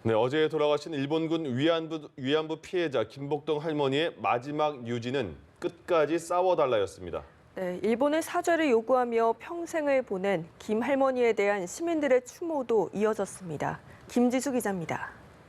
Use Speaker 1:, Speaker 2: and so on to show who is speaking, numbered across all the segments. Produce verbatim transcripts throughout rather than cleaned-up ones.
Speaker 1: 네, 어제 돌아가신 일본군 위안부, 위안부 피해자 김복동 할머니의 마지막 유지는 끝까지 싸워달라였습니다.
Speaker 2: 네, 일본의 사죄를 요구하며 평생을 보낸 김 할머니에 대한 시민들의 추모도 이어졌습니다. 김지수 기자입니다.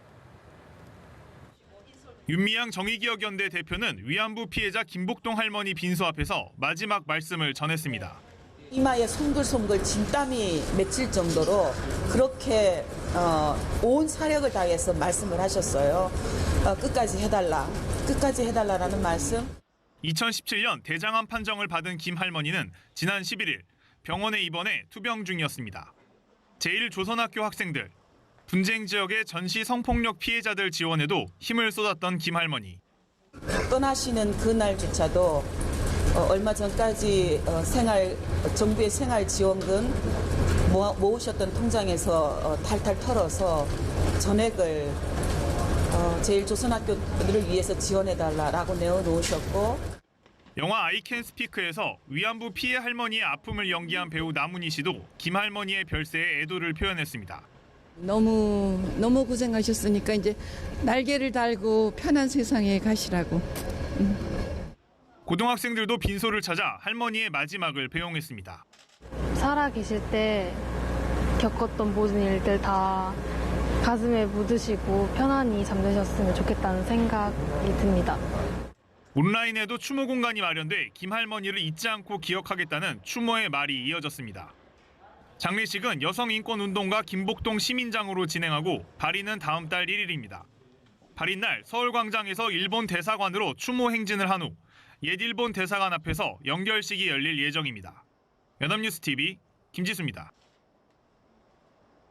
Speaker 3: 윤미향 정의기억연대 대표는 위안부 피해자 김복동 할머니 빈소 앞에서 마지막 말씀을 전했습니다.
Speaker 4: 이마에 송글송글 진땀이 맺힐 정도로 그렇게 어, 온 사력을 다해서 말씀을 하셨어요. 어, 끝까지 해달라, 끝까지 해달라라는 말씀.
Speaker 3: 이천십칠 년 대장암 판정을 받은 김 할머니는 지난 십일 일 병원에 입원해 투병 중이었습니다. 제일 조선학교 학생들, 분쟁 지역의 전시 성폭력 피해자들 지원에도 힘을 쏟았던 김 할머니.
Speaker 4: 떠나시는 그날조차도 어, 얼마 전까지 어, 생활 정부의 생활 지원금 모아, 모으셨던 통장에서 어, 탈탈 털어서 전액을 어, 제일 조선학교들을 위해서 지원해달라라고 내어놓으셨고.
Speaker 3: 영화 I Can Speak에서 위안부 피해 할머니의 아픔을 연기한 배우 남은희 씨도 김 할머니의 별세에 애도를 표현했습니다.
Speaker 5: 너무 너무 고생하셨으니까 이제 날개를 달고 편한 세상에 가시라고. 음.
Speaker 3: 고등학생들도 빈소를 찾아 할머니의 마지막을 배웅했습니다.
Speaker 6: 살아 계실 때 겪었던 모든 일들 다 가슴에 묻으시고 편안히 잠드셨으면 좋겠다는 생각이 듭니다.
Speaker 3: 온라인에도 추모 공간이 마련돼 김 할머니를 잊지 않고 기억하겠다는 추모의 말이 이어졌습니다. 장례식은 여성인권운동가 김복동 시민장으로 진행하고 발인은 다음 달 일 일입니다. 발인 날 서울광장에서 일본 대사관으로 추모 행진을 한 후 옛 일본 대사관 앞에서 연결식이 열릴 예정입니다. 연합뉴스 티비 김지수입니다.